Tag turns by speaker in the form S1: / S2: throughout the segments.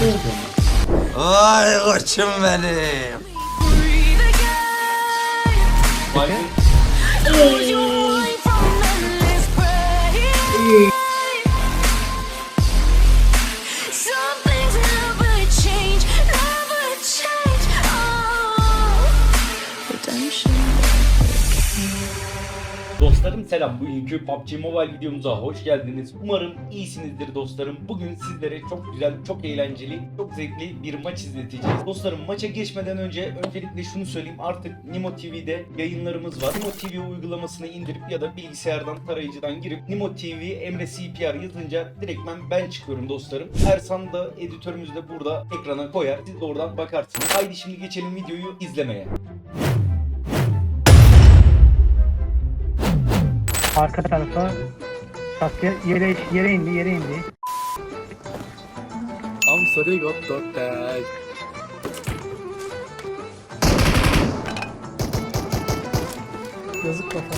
S1: Ay koçum benim.
S2: Dostlarım selam. Bugünkü PUBG Mobile videomuza hoş geldiniz. Umarım iyisinizdir dostlarım. Bugün sizlere çok güzel, çok eğlenceli, çok zevkli bir maç izleteceğiz. Dostlarım maça geçmeden öncelikle şunu söyleyeyim. Artık Nimo TV'de yayınlarımız var. Nimo TV uygulamasını indirip ya da bilgisayardan, tarayıcıdan girip Nimo TV Emre CPR yazınca direktmen ben çıkıyorum dostlarım. Ersan da editörümüz de burada ekrana koyar. Siz de oradan bakarsınız. Haydi şimdi geçelim videoyu izlemeye.
S3: Arka tarafa Sasuke yere indi.
S4: I'm sorry got that.
S3: Yazık kafam.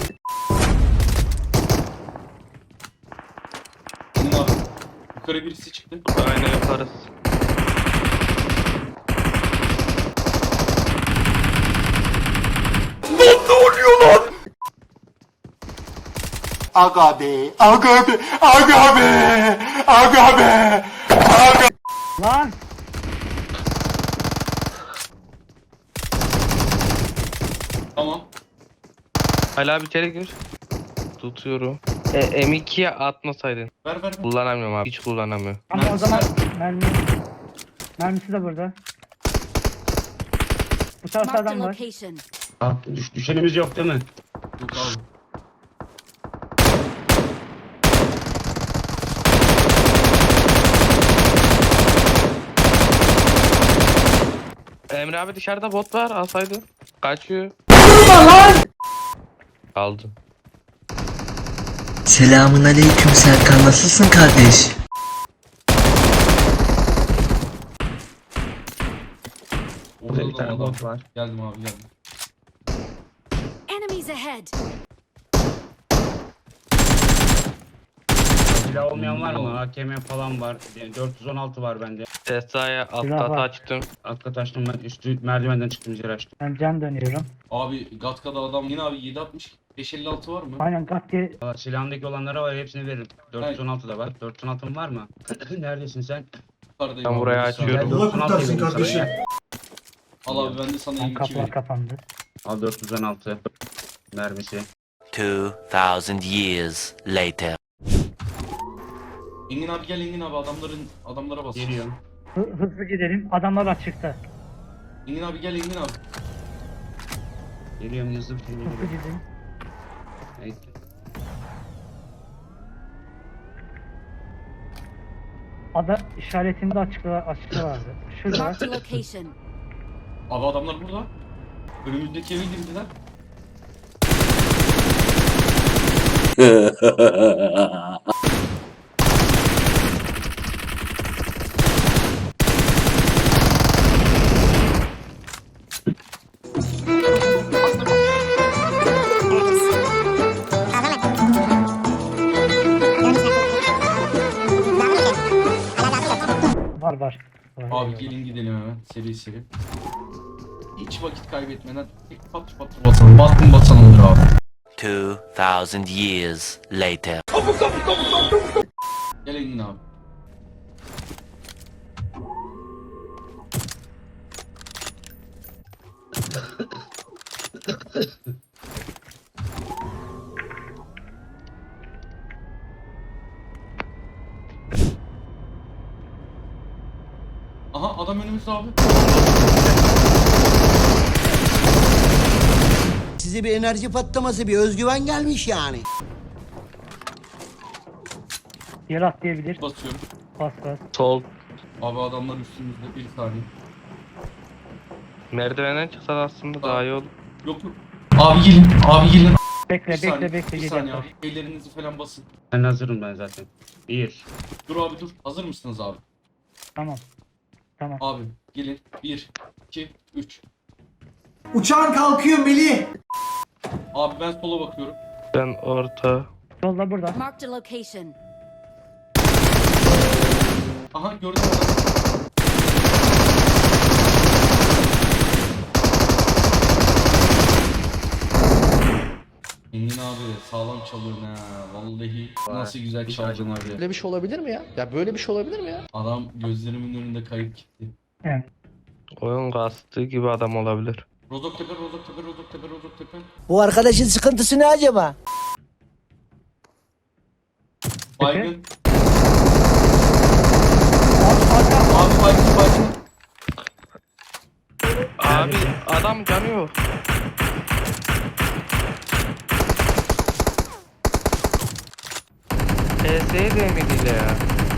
S2: Bunlar yukarı birisi çıktı.
S5: Aynen yaparız.
S6: Aga be, aga be, aga be, aga be, aga.
S3: Lan!
S2: Tamam.
S5: Hala bir kere gir. Tutuyorum. M2'ye atmasaydın.
S2: Ver.
S5: Kullanamıyorum abi. Hiç kullanamıyorum.
S3: Ama o zaman mermisi de burada. Bu tarafta
S7: Marked a
S3: adam var.
S7: location.
S4: Düşenimiz yok değil mi?
S2: Yok abi.
S5: Emre abi dışarıda bot var. Alsaydın. Kaçıyor. Kaldı.
S1: Selamun aleyküm Serkan, nasılsın kardeş?
S2: Orada
S4: Bir tane
S2: adam.
S4: bot var.
S2: Geldim abi geldim.
S7: Enemies ahead.
S4: Silah olmayan var mı? AKM falan var. 416 var bende.
S5: Tesaya alt
S3: Silah
S5: kata
S3: var.
S5: açtım.
S4: Alt kat açtım ben. Üstü merdivenden çıktım üzeri açtım.
S3: Ben can dönüyorum.
S2: Abi Gatka'da adam yine abi 760 556 var mı?
S3: Aynen gat diye
S4: Valla silahındaki olanlara var hepsini veririm. 416 da var. 416'm var mı? Neredesin sen?
S2: Yukarıdayım
S5: Ben
S2: abi,
S5: buraya
S2: bir saniye.
S5: açıyorum.
S4: Gel 416 vereyim sana ya.
S2: Al abi ben de sana 22
S3: kapılar
S2: vereyim.
S3: kapandı.
S4: Al 416 mermisi.
S8: 2,000 years later.
S2: Engin abi gel Engin abi adamlara bas.
S4: Geliyorum.
S3: Hızlı gidelim. Adamlar açıkta.
S2: Engin abi gel Engin abi.
S4: Geliyorum hızlı bir şekilde
S3: Hızlı
S4: geliyorum.
S3: gidelim.
S4: Evet.
S3: Ada işaretinde açıkta vardı. Şurada.
S7: Marked a location.
S2: Abi adamlar burada. Önümüzdeki eve girdiler.
S3: Var.
S2: Abi gelin gidelim hemen seri. Hiç vakit kaybetmeden tek pat basalım. Basalımdır abi.
S8: 2,000 years later.
S2: Gel Engin abi. Aha adam önümüzde abi.
S9: Size bir enerji patlaması, bir özgüven gelmiş yani.
S3: Yer atlayabilir.
S2: Basıyorum.
S3: Bas.
S5: Sol.
S2: Abi adamlar üstümüzde bir saniye.
S5: Merdivenden çıksan aslında daha iyi olur.
S2: Yok. Abi gelin.
S3: Bekle
S2: Bir saniye,
S3: bekle
S2: bir
S3: gel
S2: saniye
S3: yaklaş.
S2: abi. Ellerinizi falan basın.
S4: Ben hazırım ben zaten. 1.
S2: Dur abi dur. Hazır mısınız abi?
S3: Tamam.
S2: Abi gelin. 1, 2, 3.
S6: Uçağın kalkıyor Melih.
S2: Abi ben sola bakıyorum.
S5: Ben orta.
S3: Solda burada.
S7: Marked a location.
S2: Aha gördüm adamı. Engin abi sağlam çalıyorsun ha. Vallahi nasıl güzel çaldın abi.
S7: Böyle bir şey olabilir mi ya? Ya böyle bir şey olabilir mi ya?
S2: Adam gözlerimin önünde kayıp gitti.
S3: Yani
S5: Oyun kastığı gibi adam olabilir.
S2: Rozoktepe, Rozoktepe, Rozoktepe, Rozoktepe.
S9: Bu arkadaşın sıkıntısı ne acaba?
S2: Baygın. Abi baygın baygın.
S5: Abi adam canı yok. PS'ye değmedi ya.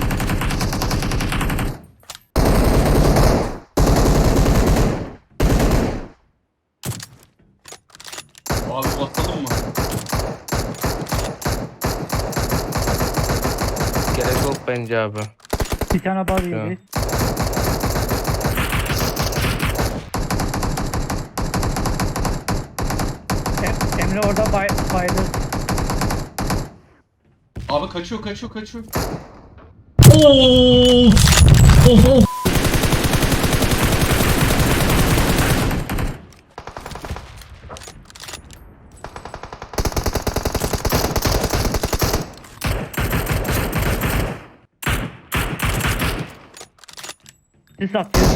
S2: Abi basalım mı?
S5: Gerek yok bence abi.
S3: bir tane bal yedi. Emre orada bayılır.
S2: Abi kaçıyor kaçıyor kaçıyor.
S3: Sis atıyor.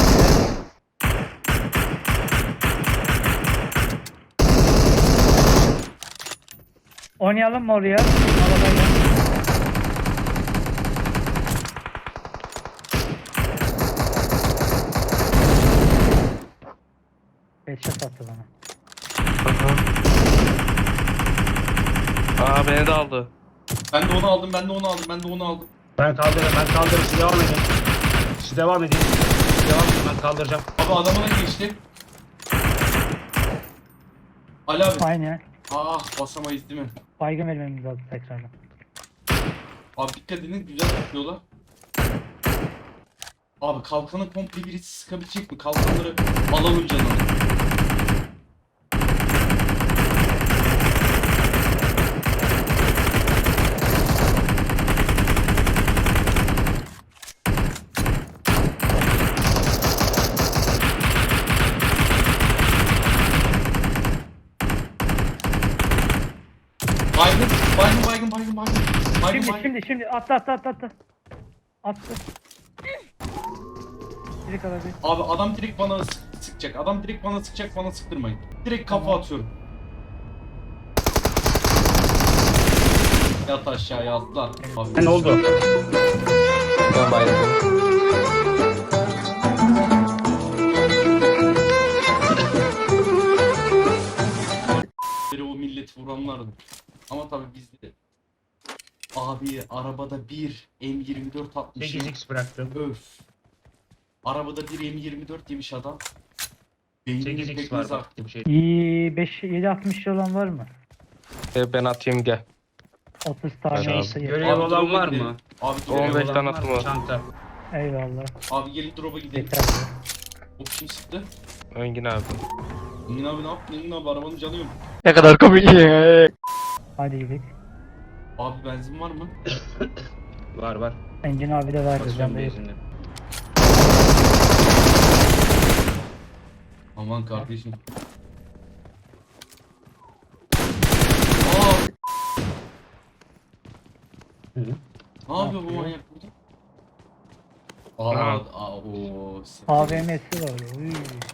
S3: Oynayalım mı oraya? Arabayla. Headshot attı bana.
S5: Aa beni de aldı.
S2: Ben de onu aldım ben de onu aldım ben de onu aldım.
S4: Ben kaldırırım. Siz devam edin. Siz devam edin. Ben kaldıracağım.
S2: Abi adamına geçti. Ali abi.
S3: Aynen.
S2: Ah basamayız değil mi?
S3: Baygın vermemiz lazım tekrardan.
S2: Abi dikkat edin güzel tutuyorlar. Abi kalkanı komple birisi sıkabilecek mi? Kalkanları alalım canım. Baygın, baygın, baygın, baygın, baygın. Baygın, baygın.
S3: Şimdi attı. Attı. Direkt aradı.
S2: Abi adam direkt bana sıkacak. Adam direkt bana sıkacak, bana sıktırmayın. Direkt kafa atıyorum. Yat aşağıya atla. Abi.
S4: Ne oldu?
S5: Ben bayıldım.
S2: O milleti vuranlardı. Ama tabii bizde. Abi arabada bir M24 atmışım.
S4: 8x bıraktım.
S2: Öf. Arabada bir M24 yemiş adam. Beynini
S4: 8x
S2: pekmez
S4: var
S2: artık.
S4: bak bir şey.
S3: 7.60 olan var mı?
S5: Ben atayım gel.
S3: 30 tane
S5: Hadi abi.
S3: olsa yeter.
S4: Görev olan
S2: drop'a
S4: var
S2: gidelim.
S4: mı?
S2: Abi drop'a
S5: 15
S2: gidelim.
S5: tane atım var.
S4: Çanta.
S3: Eyvallah.
S2: Abi gelin drop'a gidelim.
S3: Yeter.
S2: O kim sıktı?
S5: Engin abi.
S2: Engin abi ne yaptın? Engin abi arabanın canı yok.
S5: Ne kadar komik.
S3: Hadi gidelim.
S2: Abi benzin var mı?
S4: Var.
S3: Engin abi de verdi.
S4: Basıyorum
S3: Ben de
S4: benzinle.
S2: Aman kardeşim. Aa!
S4: Hı.
S2: Ne yapıyor bu manyak burada?
S5: Ha.
S2: O.
S3: AVM'si var. Uy.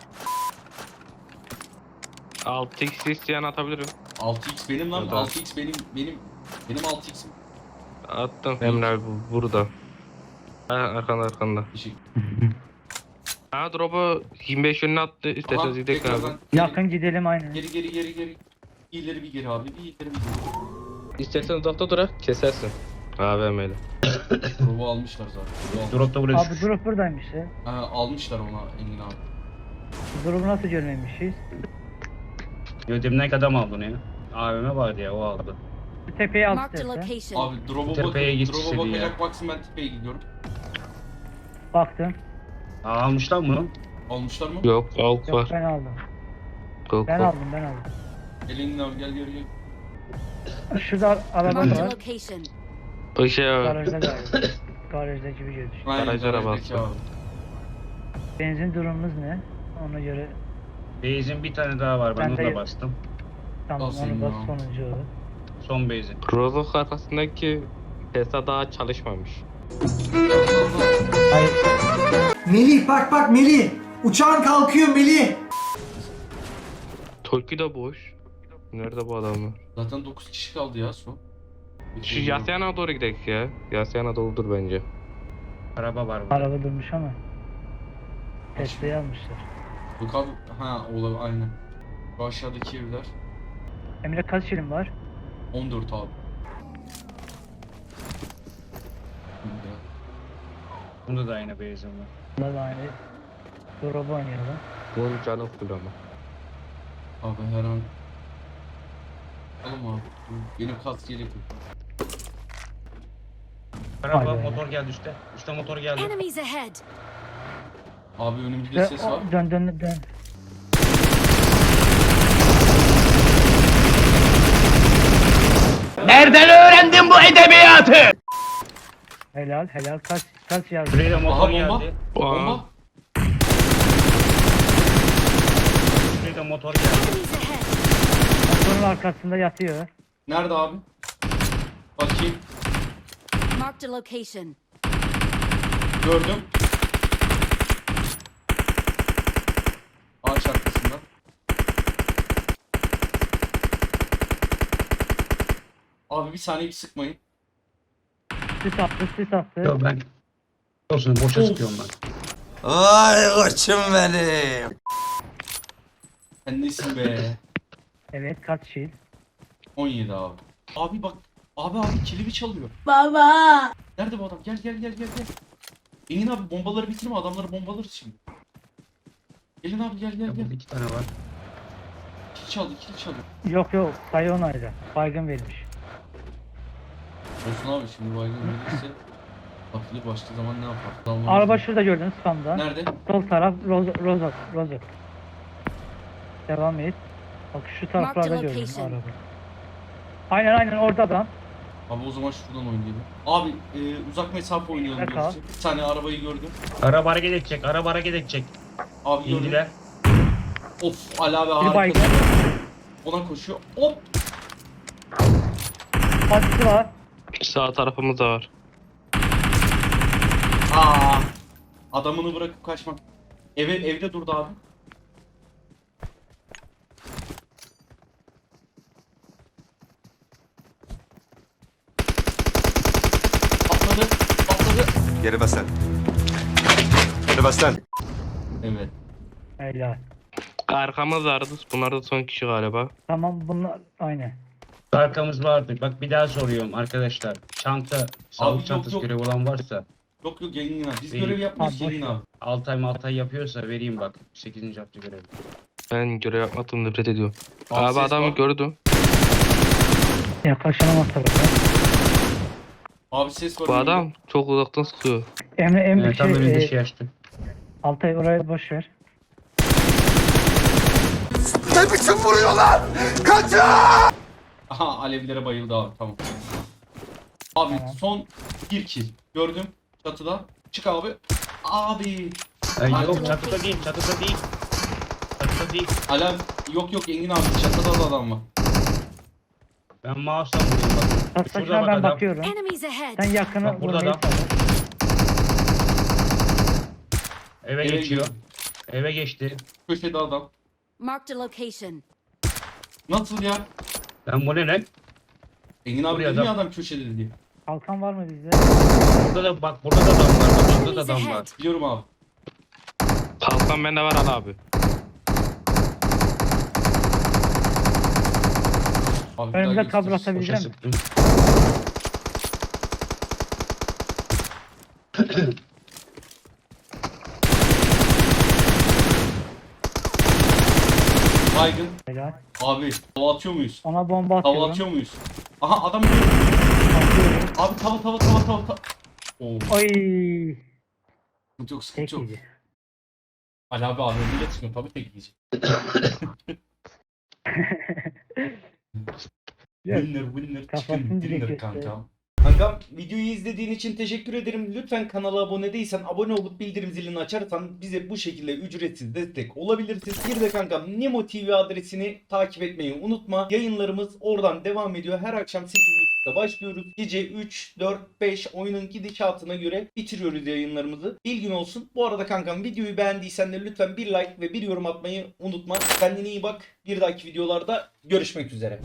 S5: 6x isteyen atabilirim.
S2: 6x benim lan.
S5: Ya da-
S2: 6x benim 6x'im.
S5: Attım. Emre abi burada. Ha, arkanda.
S2: Teşekkür.
S5: Ha drop'u 25 yönüne attı. İsterseniz gidelim abi.
S2: tekrardan.
S3: Yakın gidelim aynen.
S2: Geri. İleri bir geri abi. Bir ileri bir geri.
S5: İstersen uzakta durak kesersin. AVM'yle.
S2: Drop'u almışlar zaten.
S4: Drop'ta buraya
S3: Abi drop buradaymış ya.
S2: Ha, almışlar ona Engin abi.
S3: Drop'u nasıl görmemişiz?
S4: Yönetimden adam aldı onu ya. AVM vardı ya o aldı.
S3: Şu tepeye al
S10: Marked a
S3: istersen.
S10: location.
S2: Abi drop'a
S4: Tepeye git
S2: drop'a
S4: istedi
S2: bakacak baksın ben tepeye gidiyorum.
S3: Baktım.
S4: Almışlar mı bunu?
S2: Almışlar mı?
S5: Yok AUK
S3: Yok
S5: var.
S3: ben aldım.
S5: Yok
S3: Ben
S5: yok.
S3: aldım.
S2: Gel Engin abi gel.
S3: Şurada araba
S10: Marked a
S3: var.
S10: location.
S5: O şey
S3: Garajda galiba. Garajda gibi gözüküyor.
S2: Aynen,
S5: Garaj
S2: garajdaki
S5: arabası.
S2: abi.
S3: Benzin durumumuz ne? Ona göre
S4: Benzin bir tane daha var. Ben
S3: Ben
S4: onu
S3: de-
S4: da bastım.
S3: tamam
S2: Nasıl
S3: onu bas
S2: ya?
S3: sonuncu o.
S4: Son base'i.
S5: Rozok arkasındaki Tesla daha çalışmamış.
S3: Hayır.
S1: Melih bak Melih. Uçağın kalkıyor Melih.
S5: Tolki de boş. Nerede bu adamlar?
S2: Zaten 9 kişi kaldı ya son.
S5: Şu Yasyana doğru gidelim ya. Yasyana doludur bence.
S4: Araba var burada.
S3: Araba durmuş ama. Tesla'yı almışlar.
S2: Yok abi. Ha olabilir aynen. Bu aşağıdaki evler.
S3: Emre kaç şirin var?
S2: 14 abi.
S4: Bunda da aynı base'im var.
S3: Bunlar da aynı. Drop'u oynayalım.
S5: Bunun canı full ama.
S2: Abi her an... Oğlum abi. Benim kas yelek yok.
S4: Araba
S3: Haydi.
S4: motor geldi üstte. Üstte motor geldi.
S10: Enemies ahead.
S2: Abi önümüzde ses var.
S3: Dön.
S7: Nereden öğrendin bu edebiyatı?
S3: Helal kaç yazdı?
S4: Şuraya da motor
S2: Aha bomba.
S4: geldi.
S2: Bomba.
S4: Şuraya da motor geldi.
S10: Enemies ahead.
S3: Motorun arkasında yatıyor.
S2: Nerede abi? Bakayım.
S10: Marked a location.
S2: Gördüm. Ağaç arkasında. Abi bir saniye bir sıkmayın.
S3: Sis attı.
S4: Yok ben. Olsun boşa
S2: Of.
S4: sıkıyorum ben.
S1: Vay koçum benim.
S2: Sen nesin be?
S3: Evet kaç şil?
S2: 17 abi. Abi bak. Abi kilimi çalıyor.
S10: Baba.
S2: Nerede bu adam? Gel. Engin abi bombaları bitirme, adamları bombalarız şimdi. Gelin abi gel.
S4: Ya burada 2 tane var.
S2: Kill çaldı.
S3: Yok sayı onayda. Baygın vermiş.
S2: Olsun abi şimdi baygın verirse atlı başka zaman ne yapar? Adamlar
S3: Araba
S2: bizi-
S3: şurada gördünüz spamda.
S2: Nerede?
S3: Sol taraf Rozok. Devam et. Bak şu taraflarda
S10: Marked
S3: gördüm
S10: location.
S3: araba. Aynen orada adam.
S2: Abi o zaman şuradan oynayalım. Abi uzak mesafe oynayalım
S3: Dakika.
S2: diyoruz. Bir tane arabayı gördüm.
S4: Araba hareket edecek.
S2: Abi gördüm.
S4: İndiler.
S2: Of Ali abi
S3: Bir
S2: harika.
S3: baygın.
S2: Ona koşuyor. Hop.
S3: Patisi var.
S5: Sağ tarafımız da var.
S2: Adamını bırakıp kaçmak. Evde durdu abi. Atladı.
S6: Geri bas lan. Geri bas lan.
S2: Evet.
S3: Helal.
S5: Arkamız vardı. Bunlar da son kişi galiba.
S3: Tamam bunlar aynı.
S4: Arkamız vardı. Bak bir daha soruyorum arkadaşlar. Çanta, sağlık
S2: yok,
S4: çantası
S2: yok.
S4: görevi olan varsa
S2: Yok Engin abi. Biz
S4: Benim-
S2: görev yapmıyoruz
S3: Ha, boş
S2: Engin
S3: ver.
S2: abi.
S4: Altay yapıyorsa vereyim bak. 8. hafta görevi.
S5: Ben görev yapmadım, nefret ediyorum.
S2: Abi
S5: Abi
S2: ses
S5: adamı
S2: var.
S5: gördüm.
S3: Yaklaşamaz tabii.
S2: Abi ses var.
S5: Bu
S2: önümde.
S5: adam çok uzaktan sıkıyor.
S3: Emre
S4: Tam önünde şey açtı.
S3: Altay oraya boş ver.
S6: Ne biçim vuruyor lan? Kaçın!
S2: Aha alevlere bayıldı abi tamam. Abi
S3: Tamam.
S2: son bir kill. Gördüm çatıda. Çık abi. Abi.
S4: Yok çatıda değil. Çatıda değil.
S2: Alev yok Engin abi çatıda da adam var.
S4: Ben mouse'dan vuruyorum bak. Şurada
S3: Taşlaşına
S4: bak
S3: ben
S4: adam.
S3: bakıyorum.
S10: Enemies ahead.
S3: Sen yakını
S4: Bak burada
S3: vurmayı
S4: adam.
S3: sağla.
S4: Eve
S2: Eve
S4: geçiyor.
S2: girdi.
S4: Eve geçti.
S2: Köşede adam.
S10: Marked a location.
S2: Nasıl ya?
S4: Ben bu ne lan?
S2: Engin abi
S4: Buraya
S2: dedi ya
S4: adam.
S2: adam köşede diye.
S3: Kalkan var mı bizde?
S4: Burada da bak burada da adam var. Bak burada da
S10: Enemies
S4: adam var.
S10: ahead.
S2: Biliyorum abi.
S5: Kalkan bende var Ali abi.
S2: Abi bir daha
S3: Önümüze
S2: göster.
S3: kablo
S4: Boşa
S3: atabilecek misin?
S4: sıktım.
S2: Baygın.
S3: Helal.
S2: Abi tava atıyor muyuz?
S3: Ona bomba
S2: Tava
S3: atıyorum.
S2: atıyor muyuz? Aha adam.
S3: Atıyorum.
S2: Abi tava. Oo.
S3: Oy.
S2: Sıkıntı yok sıkıntı
S3: Tek
S2: yok.
S3: yedi.
S2: Ali abi AVM'yle çıkıyor tabii tek yiyecek.
S3: Yok.
S2: Winner
S3: Kafasını
S2: chicken
S3: direkt
S2: dinner
S3: göster.
S2: kanka. Kankam videoyu izlediğin için teşekkür ederim. Lütfen kanala abone değilsen abone olup bildirim zilini açarsan bize bu şekilde ücretsiz destek olabilirsiniz. Bir de kankam Nemo TV adresini takip etmeyi unutma. Yayınlarımız oradan devam ediyor. Her akşam 8.30'da başlıyoruz. Gece 3, 4, 5 oyunun gidişatına göre bitiriyoruz yayınlarımızı. Bilgin olsun. Bu arada kankam videoyu beğendiysen de lütfen bir like ve bir yorum atmayı unutma. Kendine iyi bak. Bir dahaki videolarda görüşmek üzere.